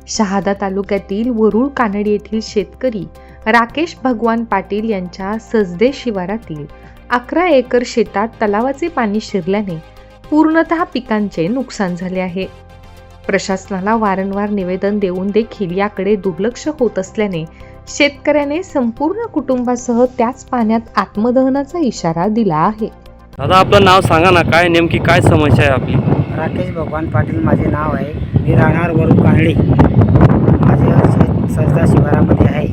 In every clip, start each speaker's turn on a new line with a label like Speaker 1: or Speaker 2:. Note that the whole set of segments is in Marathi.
Speaker 1: शहादा तालुक्यातील वरुळ कानडी येथील शेतकरी राकेश भगवान पाटील यांच्या सजदे शिवारातील 11 एकर शेतात तलावाचे पाणी शिरल्याने पूर्णतः पिकांचे नुकसान झाले आहे. प्रशासनाला वारंवार निवेदन देऊन देखील याकडे दुर्लक्ष होत असल्याने शेतकऱ्याने संपूर्ण कुटुंबासह त्याच पाण्यात आत्मदहनाचा इशारा दिला आहे.
Speaker 2: दादा, आपलं नाव सांगा ना, काय नेमकी काय समस्या आहे आपली?
Speaker 3: राकेश भगवान पाटील माझे नाव आहे. मी राहणार वरुळ कानडी. माझे शेत सजदा शिवारामध्ये आहे.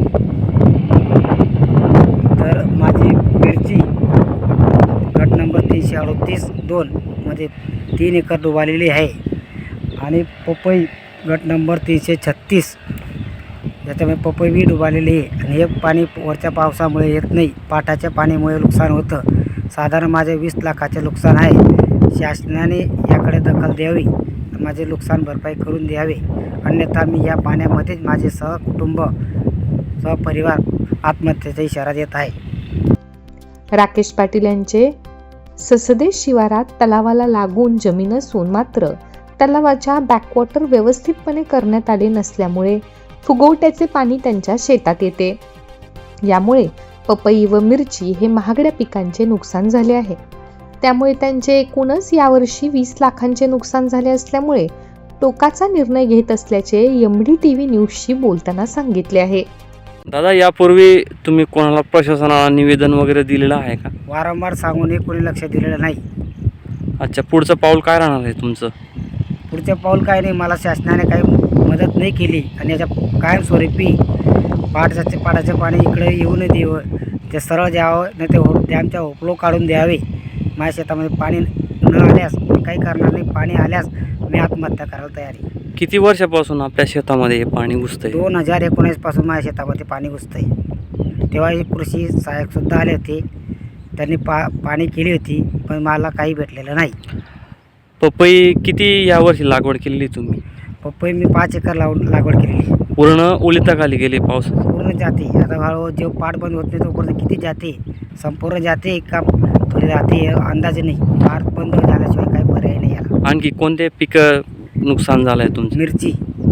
Speaker 3: तर माझी मिरची गट नंबर 338-2 मध्ये 3 एकर डुबालेली आहे आणि पपई गट नंबर 336 याच्यामध्ये पपई बी डुबालेली आहे. आणि हे पाणी वरच्या पावसामुळे येत नाही, पाटाच्या पाण्यामुळे नुकसान होतं. साधारण माझे 20 लाखाचे नुकसान आहे. शासनाने याकडे दखल द्यावी, माझे नुकसान भरपाई करून द्यावे, अन्यथा मी या पाण्यामध्येच माझे सहकुटुंब सहपरिवार आत्महत्येचा इशारा देत आहे.
Speaker 1: राकेश पाटील यांचे ससदे शिवारात तलावाला लागून जमीन असून मात्र तलावाच्या बॅकवॉटर व्यवस्थितपणे करण्यात आले नसल्यामुळे फुगवट्याचे पाणी त्यांच्या शेतात येते. यामुळे पपई व मिरची हे महागड्या पिकांचे नुकसान झाले आहे. त्यामुळे त्यांचे एकूणच यावर्षी 20 लाखांचे नुकसान झाले असल्यामुळे टोकाचा निर्णय घेत असल्याचे MDTV न्यूजशी बोलताना सांगितले आहे.
Speaker 2: दादा, यापूर्वी तुम्ही कोणाला प्रशासनाला निवेदन वगैरे दिलेलं आहे का?
Speaker 3: वारंवार सांगूनही कोणी लक्ष दिलेलं नाही.
Speaker 2: अच्छा, पुढचं पाऊल काय राहणार आहे तुमचं?
Speaker 3: पुढचं पाऊल काय नाही, मला शासनाने काही मदत नाही केली आणि याच्या कायमस्वरूपी पाटाचे पाणी इकडे येऊ नये देवं, ते सरळ द्यावं, नाही ते डॅमच्या ओपलो काढून द्यावे. माझ्या शेतामध्ये पाणी न आल्यास मी काही करणार नाही. पाणी आल्यास मी आत्महत्या करायला तयार आहे.
Speaker 2: किती वर्षापासून आपल्या शेतामध्ये हे पाणी घुसतंय?
Speaker 3: 2019 पासून माझ्या शेतामध्ये पाणी घुसतंय. तेव्हा हे कृषी सहाय्यकसुद्धा आले होते, त्यांनी पाणी केली होती, पण मला काही भेटलेलं नाही.
Speaker 2: पपई किती यावर्षी लागवड केलेली तुम्ही?
Speaker 3: पपई मी 5 एकर लागवड केलेली.
Speaker 2: पूर्ण ओलिताखाली गेले पावसात?
Speaker 3: पूर्ण जाते. आता हळूहळू जे पाट बंद होत नाही तोपर्यंत किती जाते, संपूर्ण जाते का थोडी जाते अंदाज नाही. पाट बंद झाल्याशिवाय काही पर्याय नाही याला.
Speaker 2: आणखी कोणते पिकं नुकसान झालंय तुमचं?
Speaker 3: मिरची.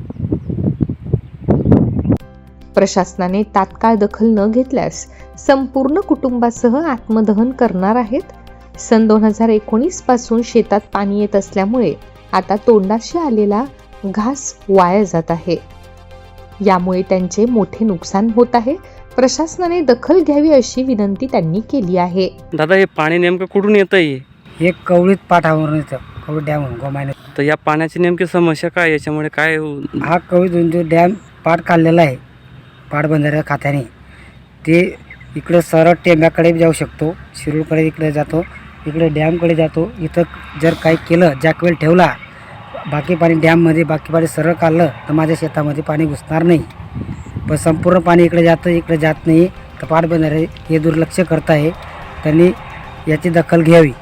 Speaker 1: प्रशासनाने तात्काळ दखल न घेतल्यास संपूर्ण कुटुंबासह आत्मदहन करणार आहेत. सन 2019 पासून शेतात पाणी येत असल्यामुळे आता तोंडाशी आलेला घास वाया जात आहे. यामुळे त्यांचे मोठे नुकसान होत आहे. प्रशासनाने दखल घ्यावी अशी विनंती त्यांनी केली आहे.
Speaker 2: दादा, हे पाणी नेमकं कुठून येतंय?
Speaker 3: हे कवळीत पाठावरून येतं, कवळी डॅमवरून गोमायने.
Speaker 2: तर या पाण्याची नेमकी समस्या काय, याच्यामुळे काय?
Speaker 3: हा कवळी जो डॅम पाट काढलेला आहे पाटबंधाऱ्या खात्याने, ते इकडे सरळ टेंब्याकडे जाऊ शकतो, शिरूरकडे इकडे जातो, इकडे डॅमकडे जातो. इथं जर काही केलं, जॅकवेल ठेवला, बाकी पाणी डॅममध्ये, बाकी पाणी सरळ काढलं तर माझ्या शेतामध्ये पाणी घुसणार नाही. पण संपूर्ण पाणी इकडे जातं, इकडे जात नाही. तर पाटबंधारे हे दुर्लक्ष करत आहे, त्यांनी याची दखल घ्यावी.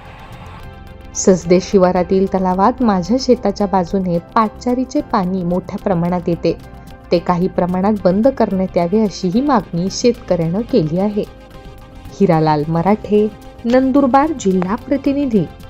Speaker 1: ससदे शिवारातील तलावात माझ्या शेताच्या बाजूने पाटचारीचे पाणी मोठ्या प्रमाणात येते. ते काही प्रमाणात बंद करण्यात यावे अशीही मागणी शेतकऱ्यानं केली आहे. हिरालाल मराठे, नंदुरबार जिल्हा प्रतिनिधी.